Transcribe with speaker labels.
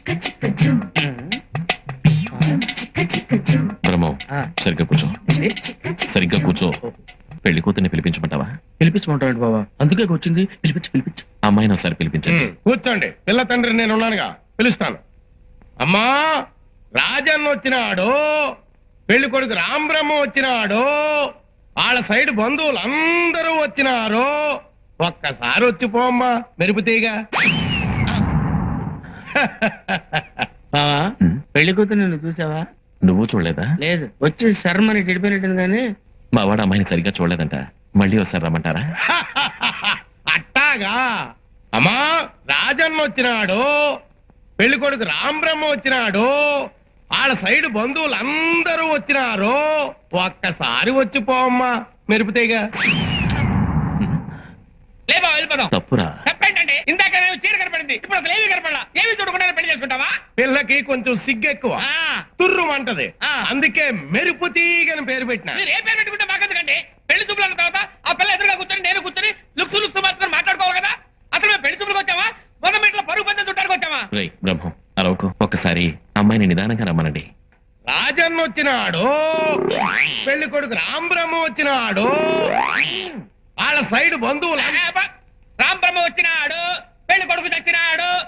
Speaker 1: బ్రహ్మం సరిగ్గా కూర్చో, సరిగ్గా కూర్చో. పెళ్లి కూతుర్ని పిలిపించమంటావా?
Speaker 2: పిలిపించమంటాడు బాబా, అందుకే వచ్చింది. పిలిపించు.
Speaker 1: అమ్మాయిని ఒకసారి పిలిపించండి.
Speaker 3: కూర్చోండి, పిల్ల తండ్రి నేను ఉన్నానుగా, పిలుస్తాను. అమ్మా, రాజన్న వచ్చినాడు, పెళ్లి కొడుకు రాంబ్రహ్మ వచ్చినాడు, వాళ్ళ సైడ్ బంధువులు అందరూ వచ్చినారు. ఒక్కసారి వచ్చిపోమ్మా మెరుపుతీగా.
Speaker 2: బావా, పెళ్లి కూతురు నిన్ను చూసావా?
Speaker 1: నువ్వు చూడలేదా?
Speaker 2: లేదు, వచ్చి శర్మని గడిపోయినట్టుంది కానీ
Speaker 1: మా వాడు అమ్మాయిని సరిగ్గా చూడలేదంట. మళ్ళీ ఒకసారి రమ్మంటారా?
Speaker 3: అట్టాగా. అమ్మా, రాజన్న వచ్చినాడు, పెళ్లి కొడుకు రాంబ్రహ్మ వచ్చినాడు, వాళ్ళ సైడ్ బంధువులు అందరూ వచ్చినారు. ఒక్కసారి వచ్చిపోమ్మా మెరుపుతీగా.
Speaker 4: లేబా వెళ్ళిపోదాం.
Speaker 1: తప్పురా.
Speaker 4: తప్పేంటండి? ఇందాక చీర కనపడింది, ఇప్పుడు అసలు ఏమీ కనపడలా. ఏమి చూడకుండా పెళ్లి చేసుకుంటావా?
Speaker 3: పిల్లకి కొంచెం సిగ్గెక్కువ, తుర్రుమంటది. అందుకే మెరుపు తీగని పేరు పెట్టిన.
Speaker 4: మీరు ఏ పేరు పెట్టుకుంటే మాకెందుకండి? పెళ్లి చూపులు అన్న తర్వాత ఆ పిల్ల ఎదురుగా కూర్చొని నేను కూర్చొని లుక్స్ మాత్రం మాట్లాడుకోవాలి కదా. అసలు మేము పెళ్లి చూపులకు వచ్చావా, మొదటి ఇంట్లో పరుగు పందెం చుట్టానికి వచ్చావా?
Speaker 1: బ్రహ్మం అరవకు, ఒక్కసారి అమ్మాయిని నిదానంగా రమ్మనండి.
Speaker 3: రాజన్న వచ్చినాడు, పెళ్లి కొడుకు రాంబ్రహ్మ వచ్చినాడు, వాళ్ళ సైడ్ బంధువులు
Speaker 4: రాంబ్రహ్మ వచ్చినాడు, పెళ్లి కొడుకు చచ్చినాడు,